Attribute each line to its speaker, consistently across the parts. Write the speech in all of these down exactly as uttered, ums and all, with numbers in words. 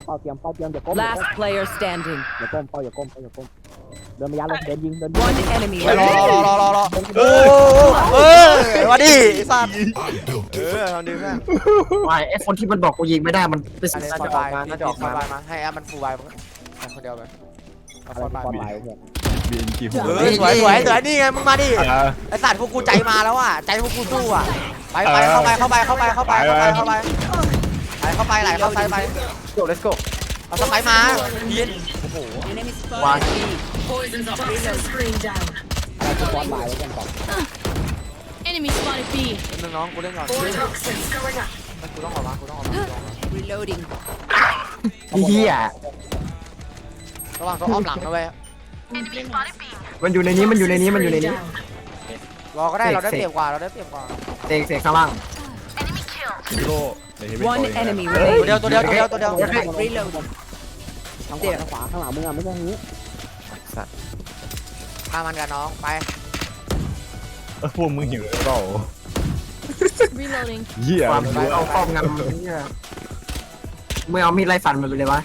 Speaker 1: เป้าเตรียมเป้าเตรียมอย่าก้ม
Speaker 2: Last player standing.
Speaker 1: อย่าก้มเป้าอย่าก้มเป้าอย่าก้มเดินมายัดเลยเดินยิงเดินยิง
Speaker 2: One enemy
Speaker 3: รอรอ
Speaker 2: remaining.
Speaker 3: รอรอรอโอ้เออมาดิสัตว์เออทำดีเพื่อน
Speaker 4: ไม่ไอคนที่มันบอกกูยิงไม่ได้มันไป
Speaker 3: อั
Speaker 4: สิ
Speaker 3: นนี้
Speaker 4: น่า
Speaker 3: ฟอ
Speaker 4: จะ
Speaker 3: ร์
Speaker 4: ออกมา
Speaker 3: บาย
Speaker 4: น่าจะออก
Speaker 3: ฟอ
Speaker 4: มา
Speaker 3: ร์บายมาให้แอปมันฟูลบายไปคนเดียวไป
Speaker 1: อะไรที่ปลอดภัยเนี่ย
Speaker 5: บีเอ็นจีหัว
Speaker 3: เออสวยสวยสวยนี่ไงมึงมาดิไอสัตว์พวกกูใจมาแล้วอ่ะใจพวกกูสู้อ่ะไปไปเข้าไปเข้าไปเข้าไปเข้าไปเข้าไปเข้าไปไปเข้าไปไหลเข้าไปไป
Speaker 4: โก้ let's go
Speaker 3: เอาสไปมาเย็นโอ้โห
Speaker 2: Enemy
Speaker 4: One.
Speaker 2: spotted. B.
Speaker 1: อะไรที่ปลอดภัยแล้วกันก่อน
Speaker 6: Enemy spotted B.
Speaker 3: เรื่องน้องกูเล่นก่อนกูต้องออกมากูต้องออกมา
Speaker 2: Reloading.
Speaker 4: เฮีย
Speaker 3: ระวังตัวอ้อมหลังนะเว้ย
Speaker 4: มันอยู่ในนี้มันอยู่ในนี้มันอยู่ในนี้
Speaker 3: รอก็ได้เราได้เปรียบกว่าเราได้เปรียบกว่า
Speaker 4: เตงเตงข้างล่าง
Speaker 5: ฮีโร่ในเฮฟวี่
Speaker 2: One enemy
Speaker 3: ตัว
Speaker 2: remaining.
Speaker 3: เดียวตัวเดียวตัวเดียวตัวเดียว
Speaker 2: Reloading.
Speaker 1: ทางขวาทางขวาข้างหลังมึงอ่ะไม่ใช่ทางนี้
Speaker 3: ฆ่ามันกันน้องไป
Speaker 5: เออพวกมึงหิวหรือเปล่า
Speaker 6: Reloading.
Speaker 5: เหี้ย
Speaker 4: ความ
Speaker 5: มัน
Speaker 4: รู้เอาครอบงำเฮียมึงเอามีดไล่ฟันมันไปเลยวะ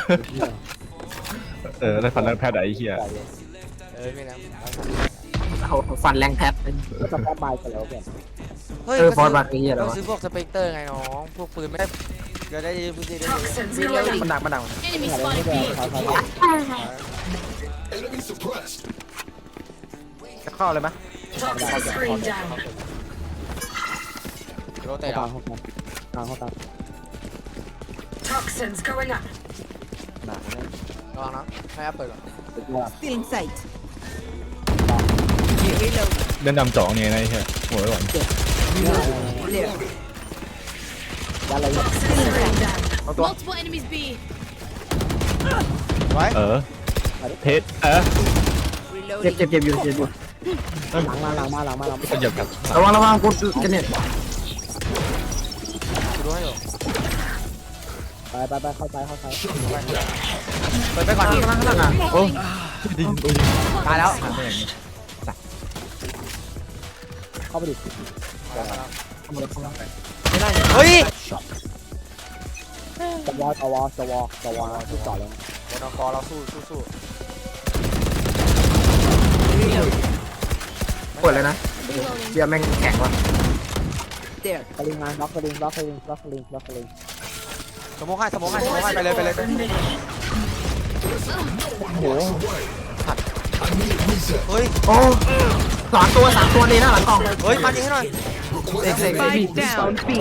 Speaker 5: เออได้ฟันแล้วแพทย์ไอ้เหี้ย
Speaker 3: เออไม่นะ
Speaker 4: เอาฟันแรงแทบ
Speaker 1: ก็จะปลอดภัยกันแล้วกัน
Speaker 3: เฮ้ย
Speaker 4: เออฟอร์ดบัตไอ้เฮียแล้ว
Speaker 3: เราซื้อพวกสเปกเตอร์ไงน้องพวกปืนไม่ได้เดี๋ยวได้พื้นที่ได้
Speaker 2: Reloading.
Speaker 4: มันดักมันดัก
Speaker 6: Enemy
Speaker 1: อะไรไม่
Speaker 6: spotted
Speaker 1: ได้
Speaker 6: B.
Speaker 1: ถอยถอยถอย
Speaker 4: จะเข้าเลยไหม
Speaker 3: โรเต
Speaker 1: เข้า
Speaker 3: ท
Speaker 1: ตามเข้าตามเข้าตาม
Speaker 7: Toxins going up.
Speaker 3: ระวังนะให้แอปเปิดก่อน
Speaker 2: Still in sight. Reload.
Speaker 5: เล่นดำจ่องเนี่ยนะไอ้เหี้ยหัวไว้ก่อน
Speaker 2: Clear.
Speaker 1: ยัดอะไรเนี่ย
Speaker 4: เอาตัว
Speaker 6: Multiple enemies B.
Speaker 3: ไว้
Speaker 5: เออเพชรเออ
Speaker 4: เจ็บ
Speaker 2: Reloading.
Speaker 4: เจ็บเจ็บอยู่เจ็บอยู่
Speaker 1: หลังมาหลังมาหลังมาหลังมา
Speaker 5: ก็เหยียบกัน
Speaker 4: ระวังระวังกูกันเนี่ย
Speaker 3: กูดูให้อยู่
Speaker 1: ไปไปไปเข้าใจเข้าใจ
Speaker 3: เปิดไปก่อน
Speaker 4: ข้างล่างข้างล่างอ่ะ
Speaker 5: โอ้ดิโอ้ย
Speaker 3: ตายแล้ว
Speaker 1: เข้าไปดิ
Speaker 4: ไม่ได้
Speaker 3: เฮ้ย
Speaker 1: จะวอจะวอจะวอจะวอที่จอดเลย
Speaker 3: บนกอเราสู้สู้สู้
Speaker 4: เปิดเลยนะเบียร์แม่งแข็งว่ะ
Speaker 2: There.
Speaker 1: สลิงมาล็อกสลิงล็อกสลิงล็อกสลิงล็อกสลิง
Speaker 3: สมองให้สมองให้สมองให้ไปเลยไปเลย
Speaker 1: โอ้โห
Speaker 3: เฮ้ย
Speaker 4: โอ้สามตัวสามตัวเลยนะหลังกล่อง
Speaker 3: เฮ้ยมันยิงให้หน่อย
Speaker 4: เด็กเด็ก
Speaker 2: Spike down. B.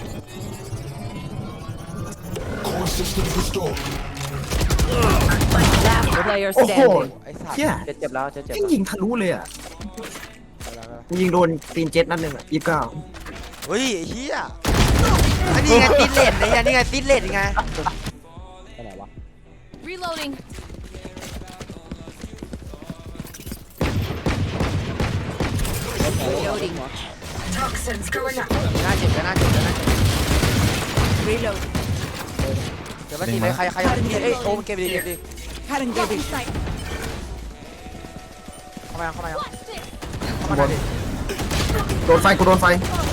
Speaker 2: Last player
Speaker 4: โอ้โห
Speaker 2: standing.
Speaker 3: ไอ้สัตว์
Speaker 4: เฮีย
Speaker 3: เจ็บเจ็บแล้วเจ็บเจ็บ
Speaker 4: แม่งยิงทะลุเลยอ่ะกูยิงโดนตีนเจ็ตนัดหนึ่งอ่ะยี่สิบเก้า
Speaker 3: เฮ้ยไอ้เหี้ยอันนี้ไงติดเลนไอ้เหี้ยนี่ไงติดเลนไง
Speaker 1: ไปไหนวะ
Speaker 6: Reloading.
Speaker 2: Reloading.
Speaker 7: Toxins going up.
Speaker 3: น่าเจ็บน่าเจ็บน่าเจ็บ
Speaker 2: Reload.
Speaker 3: เดี๋ยวมาตีเลยใครใครเอ้ยโอ้มันเก็บดีเก็บดี
Speaker 2: Current getting.
Speaker 3: เข้ามาเข้ามา
Speaker 6: Watch this.
Speaker 3: เข้ามาดิ
Speaker 4: โดนไฟกูโดนไฟ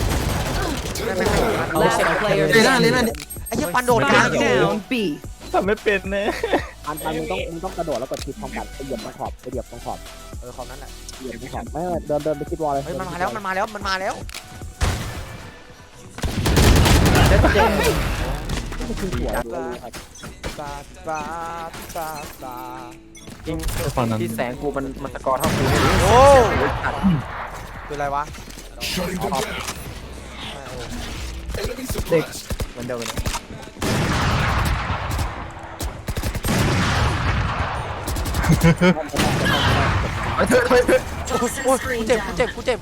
Speaker 2: Last player
Speaker 4: เลยนะเลยนะ
Speaker 2: standing.
Speaker 3: ไอ้เหี้ยปันโดดกลาง
Speaker 2: Spike down. B.
Speaker 5: ทำไม่เป็นนะ
Speaker 1: อันอันมึงต้องมึงต้องกระโดดแล้วกดคลิกพร้อมกันไปเหยียบตรงขอบไปเหยียบตรงขอบ
Speaker 3: เออขอบนั้นแหละ
Speaker 1: เหยียบตรงขอบไม่ไม่เดินเดินไปคิดวอลเลย
Speaker 3: เฮ้ยมันมาแล้วมันมาแล้วมันมาแล้ว
Speaker 1: ไม่คือหัวเลย
Speaker 3: ตาตาตาตา
Speaker 4: จริง
Speaker 5: ฟังนั้น
Speaker 4: ที่แสงกูมันมันสกอร์เท่ากู
Speaker 3: โอ้คืออะไรวะ
Speaker 4: เด็กเหมือนเดิมเลยเฮ้ยเถอะเฮ้ยเถอะ
Speaker 3: โอ้ยกูเจ็บกูเจ็บกูเจ็บ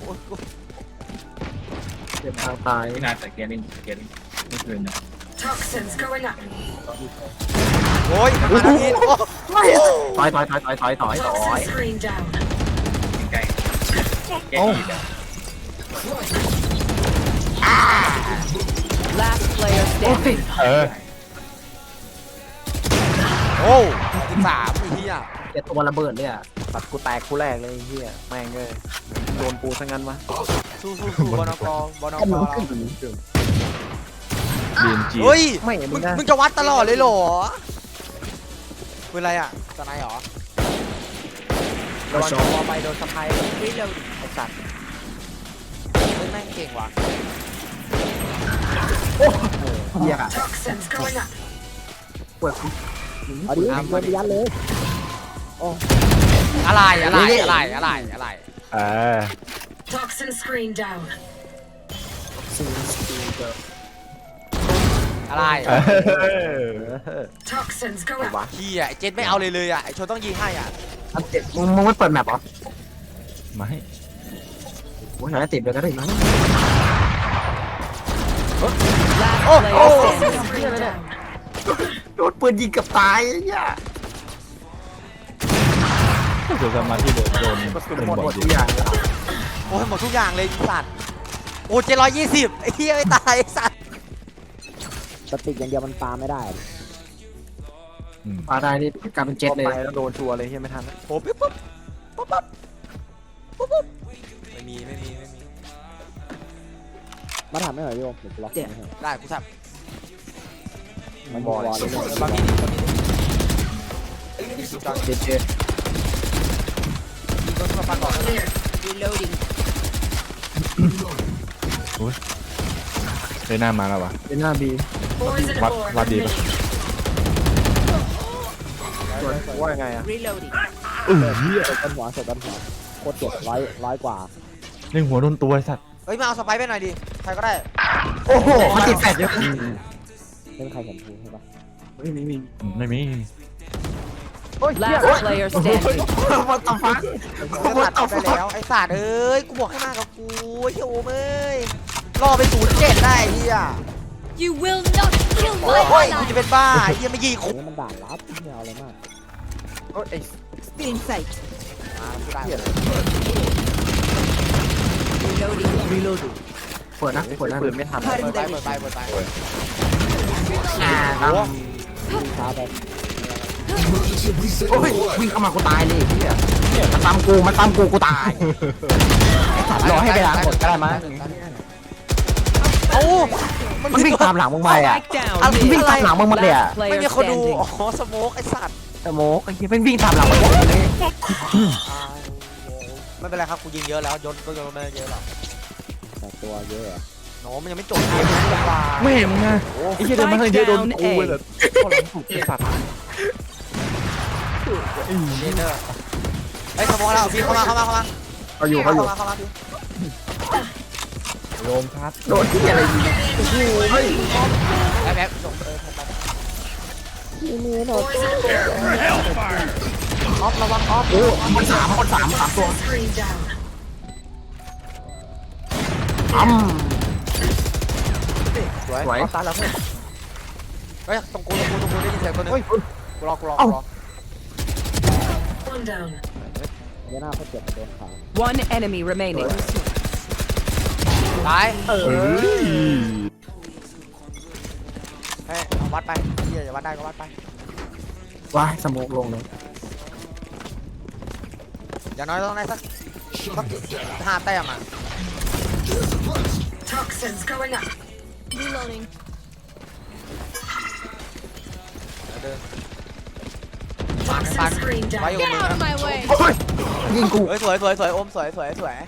Speaker 4: เจ็บทางตาย
Speaker 8: ไม่นานแต่เกมนี้เกมนี้ไม่คืนนะ
Speaker 7: Toxins going up.
Speaker 3: โอ้ยมันมาทีโอ้
Speaker 4: ถอยถอยถอยถอยถอยถอยถอย
Speaker 7: Toxin screen down.
Speaker 8: ใกล้แก้ดีแล้ว
Speaker 2: Last player
Speaker 4: โอ้ย
Speaker 2: standing.
Speaker 5: เออ
Speaker 3: โอ้สิบสามไอ้เหี้ย
Speaker 4: เจ็บตัวระเบิดเลยอ่ะตัดกูแตกคู่แรกเลยเฮียแม่งเลยโดนปูซะงั้นวะ
Speaker 3: สู้สู้สู้บอลกบอลก
Speaker 5: บีเอ็นจี
Speaker 3: เฮ้ย
Speaker 4: ไม่
Speaker 3: มึ
Speaker 4: มึ
Speaker 3: ง
Speaker 4: งนะ
Speaker 3: มึงจะวัดตลอดเลยเหรอปืนอะไรอ่ะสไนเหรอ
Speaker 4: โดนวอลไปโดนสะพาย
Speaker 2: Reloading.
Speaker 4: ไอ้สัตว์
Speaker 3: เฮ้ยแม่งเก่งว่ะ
Speaker 4: เหี้ย
Speaker 7: Toxins going up.
Speaker 4: ปวด
Speaker 1: เอาดิโดนยันเลย
Speaker 3: อะไรอะไรอะไรอะไรอะไร
Speaker 5: เออ
Speaker 7: Toxin screen down.
Speaker 3: อะไร
Speaker 5: เออ
Speaker 7: Toxins go up.
Speaker 3: เฮียไอ้เจนไม่เอาเลยเลยอ่ะไอ้ชนต้องยิงให้อ่ะ
Speaker 4: อันเจ็บมึงมึงไม่เปิดแมปเหรอ
Speaker 5: ไม่
Speaker 4: กูหาติดเลยก็ได้มั้ง
Speaker 2: Last
Speaker 3: โอ้โอ้
Speaker 2: player standing.
Speaker 7: Screen down.
Speaker 4: โดนปืนยิงกับตายไอ้เหี้ย
Speaker 5: เดี๋ยวจะมาที่โดนโดน
Speaker 4: กระสุน
Speaker 5: เป็น
Speaker 4: หมด
Speaker 5: บ
Speaker 4: หม
Speaker 5: อ
Speaker 4: ด
Speaker 5: ด
Speaker 4: ทุกอย่าง
Speaker 3: โอ้ยหมดทุกอย่างเลยไอ้สัตว์โอ้เจ็ดร้อยยี่สิบไอ้เฮียไม่ตายไอ้สัตว์
Speaker 1: สติกอย่างเดียวมันปาไม่ได้
Speaker 5: อืม
Speaker 4: ปาได้นี่กลายเป็นเจ็ตเลยแล้วโดนชัวร์เลยเหี้ยไม่ทัน
Speaker 3: โอ้ปิ๊บปุ๊บปุ๊บปุ๊บปุ๊บปุ๊บไม่มีไม่มีไม่มี
Speaker 1: มาถามไม่หน่อยพี่โอมเดี๋ยวกูล็อกให้
Speaker 3: ได้กูทับ
Speaker 1: มันบอลเลย
Speaker 3: บางทีบางที
Speaker 4: เจ็ดเจ็ด
Speaker 3: ยิงโดนมาฟันก่อน
Speaker 7: Clear.
Speaker 2: Reloading.
Speaker 5: เลยหน้ามาแล้ววะ
Speaker 4: เป็นหน้าบี
Speaker 7: Poison
Speaker 5: What-
Speaker 7: orb
Speaker 5: what did-
Speaker 7: emitting.
Speaker 4: ว่ายังไงอะ
Speaker 2: Reloading.
Speaker 5: เออเฮีย
Speaker 1: เสร็จต้นหัวเสร็จต้นหัวโคตรเจ็บร้อยร้อยกว่า
Speaker 5: เล่นหัวโดนตัวไอ้สัตว์
Speaker 3: เฮ้ยมาเอาสไปร์ไปหน่อยดิใครก็ได้
Speaker 4: โอ้โหมันติดแฟดเยอะ
Speaker 1: ไม่มีใครเห็นกูใช่ปะ
Speaker 4: ไม่มีมี
Speaker 5: ไม่มี
Speaker 2: Last player standing.
Speaker 4: วัตถุฟ้า
Speaker 3: จะตัดไปแล้วไอ้สัตว์เอ้ยกูบอกให้มากับกูไอ้เหี้ยโอ้เอ้ยรอไปศูนย์เจ็ดได้ไอ้เฮีย
Speaker 6: You will not kill
Speaker 3: โอ้ย
Speaker 6: my
Speaker 3: กู
Speaker 6: ally.
Speaker 3: จะเป็นบ้าไอ้เฮียไม่ยิง
Speaker 1: อั
Speaker 3: คุ
Speaker 1: นนี้มันด่านลับไม่เอาอะไรมาก
Speaker 4: โอ้ยไอ้
Speaker 2: In sight.
Speaker 3: มากูได้
Speaker 2: Reloading. Reloading.
Speaker 4: เปิดนะเปิดนะปืนไม่ทัน
Speaker 3: เปิดไปเปิดไปเปิดไป
Speaker 4: อ่า
Speaker 3: โอ้
Speaker 1: ช้าไป
Speaker 4: โอ้ยวิ่งเข้ามากูตายเลยพี่อะมันตามกูมันตามกูกูตายรอให้ไปล้างหมดก็ได้มั้ย
Speaker 3: เอ้า
Speaker 4: มันวิ่งตามหลังมึงไปอ่ะ
Speaker 2: Spike down.
Speaker 4: มันวิ่งตามหลังมึงมาเลยอ่ะ
Speaker 2: Last
Speaker 3: ไม่
Speaker 2: player
Speaker 3: มีคนดู
Speaker 2: standing.
Speaker 3: อ๋อสโมกไอ้สัตว์
Speaker 4: แต่โมกไอ้เหี้ยมันวิ่งตามหลังมันเลย
Speaker 3: ไม่เป็นไรครับกูยิงเยอะแล้วยนก็ยนไม่เยอะหรอก
Speaker 1: แต่ตัวเยอะอะ
Speaker 3: โน้มันยังไม่จบเกมเลยว่า
Speaker 5: ไม่เห็นมึงไงไอ้เหี้ยเดินมาทางเยอะโดนกูเลย
Speaker 4: คนหลังถูกไอ้สัตว์
Speaker 3: เดนเนอร์ไอ้สโมกแล้วพี่เข้ามาเข้ามาเข้ามา
Speaker 4: เขาอยู่เขาอยู่
Speaker 3: เข้ามาเข้ามาพี่
Speaker 5: โยมครับ
Speaker 4: โดนที่อะไรยิง
Speaker 3: แบ๊บแบ๊บส่งเออผมไป
Speaker 7: Poison orb.
Speaker 3: ออฟระวังออฟ
Speaker 4: โอ้คนสามคนสามสามตัว
Speaker 7: Toxin screen down.
Speaker 4: อ้ำ
Speaker 3: สวย
Speaker 4: สวย
Speaker 3: ตายแล้วเพื่อนเฮ้ยตรงกูตรงกูตรงกูได้ยินเสียงตัวนึงกูรอกูรอ
Speaker 4: เอ้า
Speaker 3: กูรอ
Speaker 7: One down.
Speaker 1: เยอะหน้าเขาเจ็บโดนขา
Speaker 2: One enemy remaining.
Speaker 3: ตาย
Speaker 4: เออ
Speaker 3: เฮ้ยเอาวัดไปเฮียอย่าวัดได้ก็วัดไป
Speaker 4: ว้ายสโมกลงเลย
Speaker 3: อย่างน้อยต้องได้สักสักห้าแต้มอ่ะ
Speaker 7: Toxins going up.
Speaker 6: Reloading.
Speaker 3: เดิน
Speaker 7: Toxin screen
Speaker 3: ไว้อ
Speaker 7: down.
Speaker 3: ยู่กับ
Speaker 6: Get
Speaker 3: มึง
Speaker 6: out of
Speaker 3: นะ
Speaker 6: my way.
Speaker 4: โอ้ยยิงกู
Speaker 3: เฮ้ยสวยสวยสวยอมสวยสวยสวย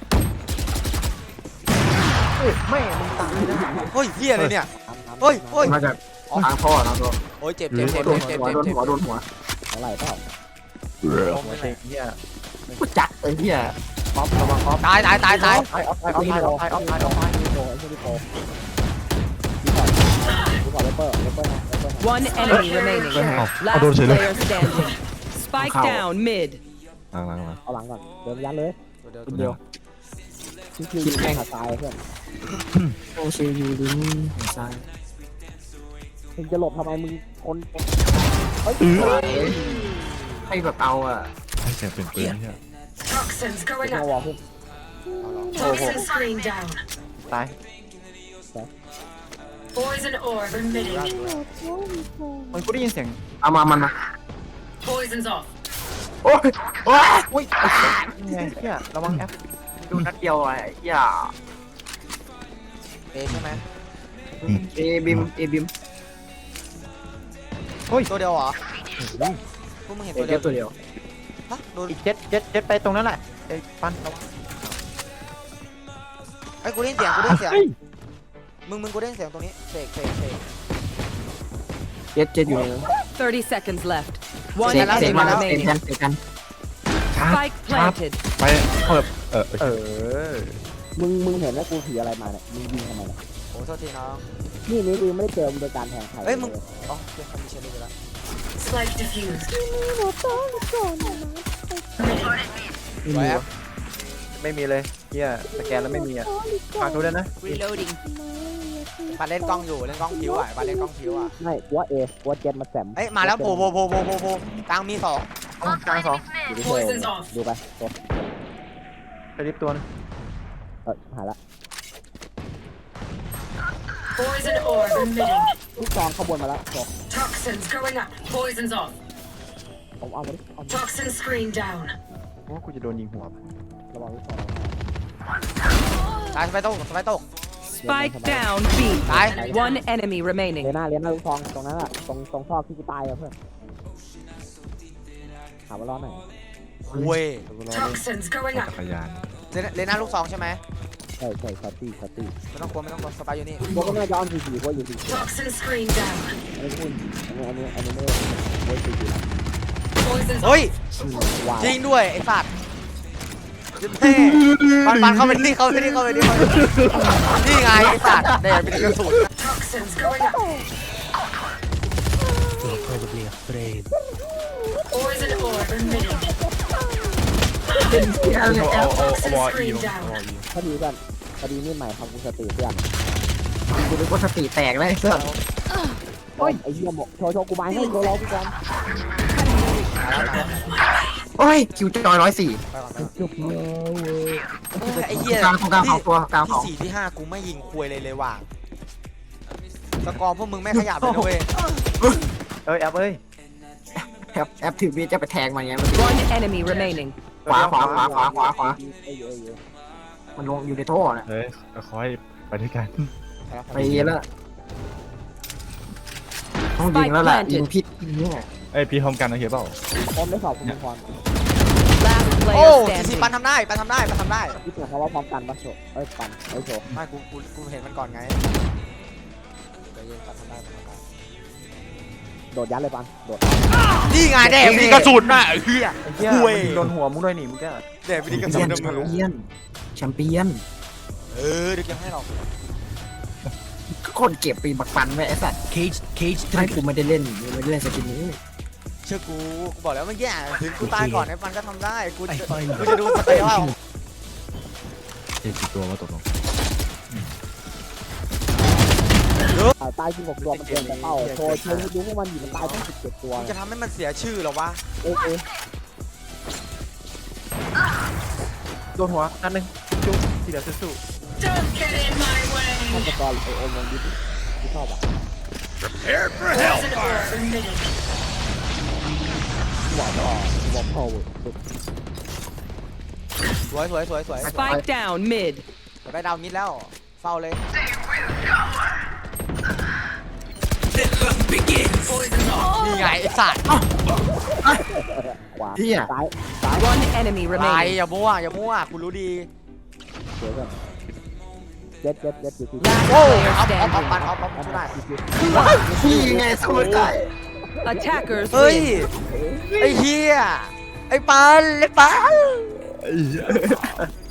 Speaker 4: แม่มึงตายนะ
Speaker 3: เฮ้ยเฮียอะไรเนี่ย
Speaker 1: ทำทำ
Speaker 3: เฮ้ยเฮ้ย
Speaker 4: มาจากทางพ่อนะตัว
Speaker 3: โอ้ยเจ็บเจ็บเจ็บ
Speaker 4: โดน
Speaker 3: เจ็บ
Speaker 4: หัว
Speaker 3: เจ็บ
Speaker 4: โดน
Speaker 3: เจ็บ
Speaker 4: หัวโดนหัว
Speaker 1: อะไรเปล่า
Speaker 3: ล้มไปไหน
Speaker 4: เหี้ยกูจัดไอ้เหี้ยออฟระวังออฟ
Speaker 3: ตายตายตายตาย
Speaker 4: ออฟออฟออฟออฟออฟออฟออฟ
Speaker 1: พี่โตไอ้เจ้าพี่โตพี่ก่อนพี่ก่อนเลเปอร์เลเปอร์นะเลเปอร์นะ
Speaker 2: One enemy remaining.
Speaker 5: เอาโดน
Speaker 2: Last
Speaker 5: เฉยเลย
Speaker 2: player standing. Spike down mid.
Speaker 5: หลังหลังหลัง
Speaker 1: เอาหลังก่อนเดินยันเลย
Speaker 3: เดี๋ยว
Speaker 4: คนเดียว
Speaker 1: คิวคิวยิงขาตายเพื่อน
Speaker 4: โอซียูลิงซ้าย
Speaker 1: มึงจะหลบทำไมมึงคนเฮ้ย
Speaker 4: ให้แบบเอาอ่ะ
Speaker 5: ให้เสียงเป็นปืนเนี่ย
Speaker 7: Toxins
Speaker 1: ไม่
Speaker 7: going
Speaker 1: เอา
Speaker 7: up.
Speaker 1: วอลขึ้น
Speaker 7: Toxin screen down.
Speaker 4: ตาย
Speaker 7: Poison orb emitting.
Speaker 4: มันกูได้ยินเสียงเอามามันมา
Speaker 7: Poison's off.
Speaker 4: โอ้ยโอ้ยโอ้ยไอ้เหี้ยเหี้ยระวังแอปดูนัดเดียวไอ้เหี้ย
Speaker 3: เอใช่ไหม
Speaker 4: เอบิมเอบิม
Speaker 3: ตัวเดียวเหรอพวกมึงเห็น
Speaker 4: เจ็
Speaker 3: ตัว
Speaker 4: ด
Speaker 3: เดียว
Speaker 4: ตัวเดียว
Speaker 3: ฮะโดน
Speaker 4: อีกเจ็ดเจ็ดเจ็ดไปตรงนั้นแหละไอ้ปันระวัง
Speaker 3: ไอ้ยกูได้ยินเสียงกูได้ยินเสียงมึงมึงกูได้ยินเสียงตรงนี้เสกเสกเสก
Speaker 4: เจ็ดเจ็ดอยู่
Speaker 2: thirty seconds left. One
Speaker 4: เจ็ดเจ็ด
Speaker 2: enemy
Speaker 4: มาแล้วเจ็ด
Speaker 2: remaining.
Speaker 4: กันเจ็ดกัน
Speaker 2: Spike planted.
Speaker 5: ไปเปิดเออ
Speaker 4: เออ
Speaker 1: มึงมึงเห็นว่ากูถืออะไรมาเนี่ยมึงยิงทำไมเนี่ย
Speaker 3: โอ้โทษทีน้อง
Speaker 1: นี่นี่คือไม่ได้เจอมึงโดยการแทงใคร
Speaker 3: เฮ้ยมึงอ๋อเจอคนมีเชลลี่ไปแล้ว
Speaker 7: Spike diffused.
Speaker 4: ไม่มีวะไม่มีเลยเฮียสแกนแล้วไม่มีอ่ะฝากดูด้วยนะ
Speaker 2: Reloading.
Speaker 3: ปาเล่นกล้องอยู่เล่นกล้องผิวอ่ะปาเล่นกล้องผิวอ่ะ
Speaker 1: ไม่กูว่าเอกูว่าเจ็ดมาแซม
Speaker 3: เอ้ยมาแล้วโผล่โผล่โผล่โผล่โผล่โผล่กลางมีสอง
Speaker 4: กลางสอง
Speaker 1: ดูดิเธอดูไปตัว
Speaker 4: ไปริบตัวนึง
Speaker 1: เออหายละ
Speaker 7: Poison orb emitting.
Speaker 1: ลูกซองขบวนมาแล้วตัว
Speaker 7: Toxins going up. Poison's off.
Speaker 1: ผมเอามาดิเอามา
Speaker 7: Toxin screen down.
Speaker 4: ว่ากูจะโดนยิงหัว
Speaker 1: ระวังลูกซอง
Speaker 3: ตายสไปตกสไปตก
Speaker 2: Spike down B.
Speaker 3: ตาย
Speaker 2: One enemy
Speaker 1: เล
Speaker 2: remaining.
Speaker 1: น่าเลน่าลูกซองตรงนั้นอะตรงตรงซอกที่กูตายอะเพื่อนถามว่ารอดไหน
Speaker 3: เว้ย
Speaker 7: Toxins going
Speaker 5: จั
Speaker 7: up.
Speaker 5: กรยาน
Speaker 3: เลนเลน่าลูกสองใช่ไหม
Speaker 1: ใช่ใช่ชัตตี้ชัตตี้
Speaker 3: ไม่ต้องกลัวไม่ต้องกลัวสไปอยู่นี่
Speaker 1: พวกก็น่าจะอ้อมสี่สี่พวกอยู่สี่สี่
Speaker 7: Toxin screen down.
Speaker 1: อันนี้คุณอันนี้อันนี้อันนี้ไม่ได้ไม่ได้สี่สี่
Speaker 7: Poison's
Speaker 3: เฮ้ย
Speaker 1: ว้าว
Speaker 3: จริงด้วยไอ้สัตว์แม่ปันปันเข้าไปนี่เข้าไปนี่เข้าไปนี่เข้าไปนี่ไงไอ้สัตว์เดี๋ยวเป็นกระสุน
Speaker 7: toxins going up. Poison orb emitting.
Speaker 5: เอาเอาเอา
Speaker 7: Toxin
Speaker 5: วออี
Speaker 7: screen
Speaker 5: ลง
Speaker 7: down.
Speaker 5: วออี
Speaker 1: พอดีกันพอดีนี่ใหม่ทำกูสติเพื่อน
Speaker 4: กูนึกว่าสติแตกเลยเสื้อ
Speaker 1: โอ้ยไอ้เหี้ยหมกโชว์โชว์กูไม้ให้โชว์ร้องกูก่อน
Speaker 4: โอ้ยคิวจอยร้อยสี่
Speaker 3: ไปก่อนไปก่อน
Speaker 1: จุบเลย
Speaker 3: ไอ้เหี้ย
Speaker 4: กลางของกลางของตัวกลางข
Speaker 3: ที่
Speaker 4: อง
Speaker 3: สี่ที่ห้ากูไม่ยิงควยเลยเลยว่ะสกอร์พวกมึงไม่ขยับเลยนะเว้ย
Speaker 4: เอ้ยแอปเอ้ยแอปแอปถือมีดจะไปแทงมันไงมัน
Speaker 2: One enemy remaining.
Speaker 4: ขวาขวาขวาขวาขวาขวา
Speaker 1: เอ้ยเอ้ยเอ้ย
Speaker 4: มันลงอยู่ในท่อน่ะ
Speaker 5: เฮ้ยคอยไปด้วยกัน
Speaker 4: ไปแล้วต้องยิงแล้วแหละยิงพิษเนี่ย
Speaker 5: เอ้ยพี่พร้อมกันนะเฮียเปล่า
Speaker 1: พร้อมได้สอบคุณพร
Speaker 2: Last
Speaker 3: โอ้
Speaker 2: player
Speaker 3: สี่สิบ
Speaker 2: standing.
Speaker 3: ปันทำได้ปันทำได้ปันทำได้
Speaker 1: ที่เสียงเขาว่าพร้อมกันปะโชเอ้ยปันเอ้ยโช
Speaker 3: ไม่กูกูกูเห็นมันก่อนไงใจเย็นปันทำได้ปันทำได้
Speaker 1: โดดยัดเลยปันโดด
Speaker 3: นี่ไงแดกมีกระสุนน่ะไอ้เหี้ย
Speaker 4: เฮีย
Speaker 3: ห่วย
Speaker 4: โดนหัวมึงด้วยนี่มึงก็
Speaker 3: แดกมีกระ
Speaker 4: แช
Speaker 3: สุน
Speaker 4: ม
Speaker 3: ในมือ
Speaker 4: เปี้ยนแชมเปี้ยน
Speaker 3: เออเดี๋ยวเก็บให้หรอก
Speaker 4: คนเก็บปีบักปันไว้ไอ้สัตว์เคจเคจให้กูไม่ได้เล่นไม่ได้เล่นสกินนี้
Speaker 3: เชื่อกูกูบอกแล้วเมื่อกี้ถึงกูตายก่อนไอ้ปันก็ทำได้กูจะกูจะดูสเตย์ว่า
Speaker 5: เจ็ดกี่ตัวว่าตกลง
Speaker 1: ตายจริงหกตัวมันเกินแต่เป้าโชว์โชว์ดูพวกมันอยู่มันตายตั้งสิบเจ็ดตัว
Speaker 3: มึงจะทำให้มันเสียชื่อเหรอวะ
Speaker 1: เอ้ยเอ้ย
Speaker 4: โดนหัวนัดหนึ่งจุ๊บทีเดียวสู้
Speaker 7: Don't get in my
Speaker 1: ฆา
Speaker 7: way.
Speaker 1: ตกรไอโอมลงดิสที่ชอบอ่ะ
Speaker 7: Poison orb emitting.
Speaker 1: หัวต่อหัวพ่อสุด
Speaker 3: สวยสวยสวยสวย
Speaker 2: Spike down mid.
Speaker 3: ไปดาวมิดแล้วเฝ้าเลย
Speaker 7: Poison's off.
Speaker 3: นี่ไงไอ้สัตว์
Speaker 1: ขวาซ้ายซ้าย
Speaker 2: One enemy
Speaker 3: ไร
Speaker 2: remaining.
Speaker 3: อย่ามั่วอย่ามั่วกูรู้ดี
Speaker 1: เดี๋ยวก่อนเจ็ดเจ็ดเจ็ดอยู่ที่
Speaker 3: โอ้
Speaker 2: Last
Speaker 3: เอา
Speaker 2: player
Speaker 3: เอาเอาปัน
Speaker 2: standing.
Speaker 3: เอาเอาเอาได้
Speaker 4: พี่ไงสู้ไม่ได้
Speaker 2: Attackers
Speaker 3: เฮ้ย
Speaker 2: win.
Speaker 3: ไอ้เฮียไอ้ปันไอ้ปัน